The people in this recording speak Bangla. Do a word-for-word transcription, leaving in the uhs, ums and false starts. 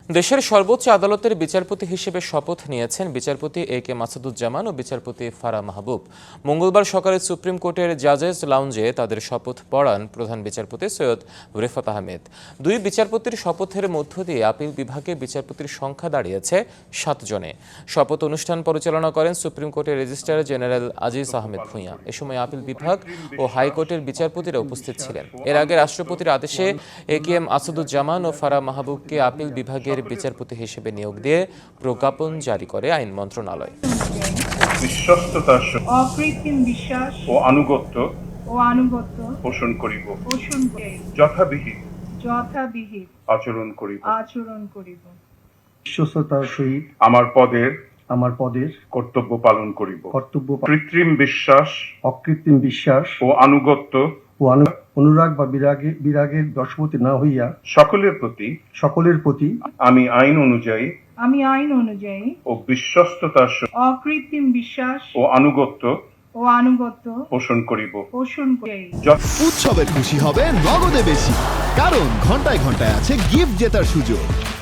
দেশের সর্বোচ্চ আদালতের বিচারপতি হিসেবে শপথ নিয়েছেন বিচারপতি এ কে মাসুদুজ্জামান ও বিচারপতি ফারাহ মাহবুব। মঙ্গলবার সকালে সুপ্রিম কোর্টের জাজেস লাউঞ্জে তাদের শপথ পড়ান প্রধান বিচারপতি সৈয়দ রেফাত আহমেদ। দুই বিচারপতির শপথের মধ্য দিয়ে আপিল বিভাগে বিচারপতির সংখ্যা দাঁড়িয়েছে সাত জনে। শপথ অনুষ্ঠান পরিচালনা করেন সুপ্রিম কোর্টের রেজিস্ট্রার জেনারেল আজিজ আহমেদ ভূঁইয়া। এ সময় আপিল বিভাগ ও হাইকোর্টের বিচারপতিরা উপস্থিত ছিলেন। এর আগে রাষ্ট্রপতির আদেশে এ কে এম মাসুদুজ্জামান ও ফারাহ মাহবুবকে আপিল বিভাগের বিচারপতি হিসেবে নিয়োগ দিয়ে প্রজ্ঞাপন জারি করে আইন মন্ত্রণালয়। বিশ্বস্ততার অকৃত্রিম বিশ্বাস ও আনুগত্য ও আনুগত্য পোষণ করিব, পোষণ করিব, যথাবিহিত যথাবিহিত আচরণ করিব, আচরণ করিব, বিশ্বস্ততার সহিত আমার পদের আমার পদের কর্তব্য পালন করিব, কর্তব্য পা- কৃত্রিম বিশ্বাস অকৃত্রিম বিশ্বাস ও আনুগত্য ও অনু- অনুরাগ বা বিরাগে বিরাগের বশবর্তী না হইয়া সকলের প্রতি সকলের প্রতি আমি আইন অনুযায়ী আমি আইন অনুযায়ী ও বিশ্বস্ততার সহিত অকৃত্রিম বিশ্বাস ও আনুগত্য ও আনুগত্য পোষণ করিব। পোষণ করি। উৎসবের খুশি হবে নগদে বেশি, কারণ ঘন্টায় ঘন্টায় আছে গিফট জেতার সুযোগ।